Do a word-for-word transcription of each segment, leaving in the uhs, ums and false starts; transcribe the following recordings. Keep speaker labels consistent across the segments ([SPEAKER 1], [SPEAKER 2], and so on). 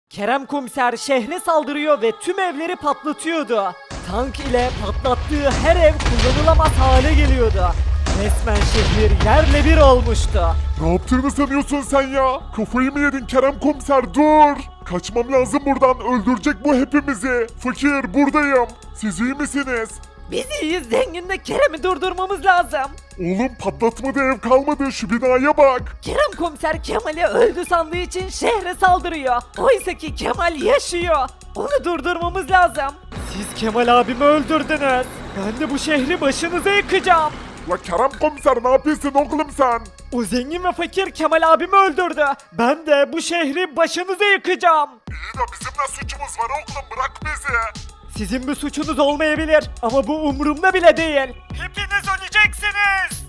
[SPEAKER 1] Kerem Komiser şehre saldırıyor ve tüm evleri patlatıyordu. Tank ile patlattığı her ev kullanılamaz hale geliyordu. Resmen şehir yerle bir olmuştu.
[SPEAKER 2] Ne yaptığını sanıyorsun sen ya? Kafayı mı yedin Kerem Komiser, dur! Kaçmam lazım buradan, öldürecek bu hepimizi. Fakir, buradayım. Siz iyi misiniz?
[SPEAKER 1] Biz iyiyiz, zenginle Kerem'i durdurmamız lazım.
[SPEAKER 2] Oğlum patlatmadı, ev kalmadı, şu binaya bak.
[SPEAKER 1] Kerem Komiser Kemal'i öldü sandığı için şehre saldırıyor. Oysa ki Kemal yaşıyor. Onu durdurmamız lazım. Siz Kemal abimi öldürdünüz. Ben de bu şehri başınıza yıkacağım.
[SPEAKER 2] La Kerem Komiser, ne yapıyorsun oğlum sen?
[SPEAKER 1] O zengin ve fakir Kemal abimi öldürdü. Ben de bu şehri başınıza yıkacağım.
[SPEAKER 2] İyi de bizim ne suçumuz var oğlum, bırak bizi.
[SPEAKER 1] Sizin bir suçunuz olmayabilir ama bu umurumda bile değil. Hepiniz öleceksiniz.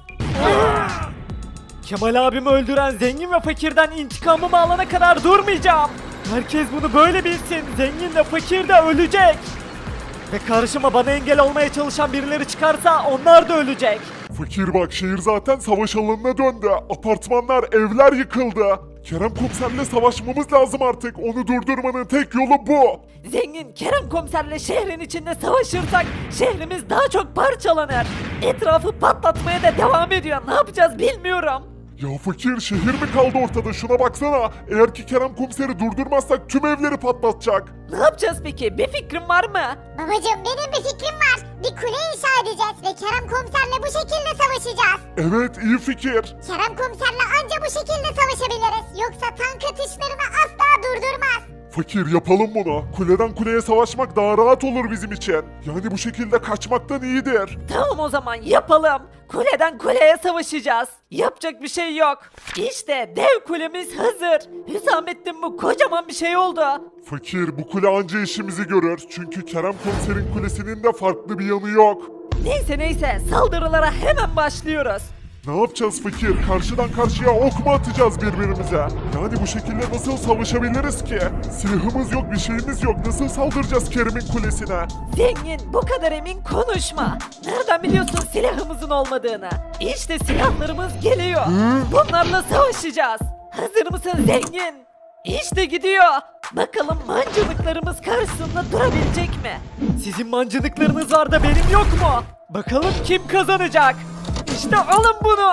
[SPEAKER 1] Kemal abimi öldüren zengin ve fakirden intikamımı alana kadar durmayacağım. Herkes bunu böyle bilsin. Zengin de fakir de ölecek. Ve karşıma bana engel olmaya çalışan birileri çıkarsa onlar da ölecek.
[SPEAKER 2] Fakir bak, şehir zaten savaş alanına döndü. Apartmanlar, evler yıkıldı. Kerem Komiser'le savaşmamız lazım artık. Onu durdurmanın tek yolu bu.
[SPEAKER 1] Zengin Kerem Komiserle şehrin içinde savaşırsak şehrimiz daha çok parçalanır. Etrafı patlatmaya da devam ediyor. Ne yapacağız bilmiyorum.
[SPEAKER 2] Ya fakir, şehir mi kaldı ortada, şuna baksana. Eğer ki Kerem Komiser'i durdurmazsak tüm evleri patlatacak.
[SPEAKER 1] Ne yapacağız peki? Bir fikrin var mı?
[SPEAKER 3] Babacım benim bir fikrim var. Bir kule inşa edeceğiz ve Kerem komiserle bu şekilde savaşacağız.
[SPEAKER 2] Evet, iyi fikir.
[SPEAKER 3] Kerem komiserle anca bu şekilde savaşabiliriz. Yoksa tank atışlarını asla durdurmaz.
[SPEAKER 2] Fakir, yapalım bunu. Kuleden kuleye savaşmak daha rahat olur bizim için. Yani bu şekilde kaçmaktan iyidir.
[SPEAKER 1] Tamam o zaman yapalım. Kuleden kuleye savaşacağız. Yapacak bir şey yok. İşte dev kulemiz hazır. Hüsamettin bu kocaman bir şey oldu.
[SPEAKER 2] Fakir, bu kule anca işimizi görür. Çünkü Kerem Komiser'in kulesinin de farklı bir yanı yok.
[SPEAKER 1] Neyse neyse saldırılara hemen başlıyoruz.
[SPEAKER 2] Ne yapacağız fakir? Karşıdan karşıya ok mu atacağız birbirimize? Yani bu şekilde nasıl savaşabiliriz ki? Silahımız yok, bir şeyimiz yok. Nasıl saldıracağız Kerem'in kulesine?
[SPEAKER 1] Zengin bu kadar emin konuşma. Nereden biliyorsun silahımızın olmadığını? İşte silahlarımız geliyor. Bunlarla savaşacağız. Hazır mısın zengin? İşte gidiyor. Bakalım mancınıklarımız karşısında durabilecek mi? Sizin mancınıklarınız var da benim yok mu? Bakalım kim kazanacak? İşte alın bunu.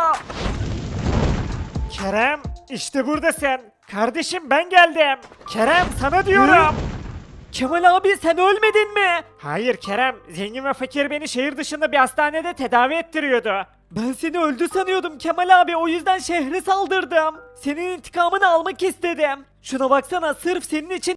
[SPEAKER 1] Kerem işte buradasın. Kardeşim ben geldim. Kerem sana diyorum. Kemal abi sen ölmedin mi? Hayır Kerem, zengin ve fakir beni şehir dışında bir hastanede tedavi ettiriyordu. Ben seni öldü sanıyordum Kemal abi, o yüzden şehre saldırdım. Senin intikamını almak istedim. Şuna baksana, sırf senin için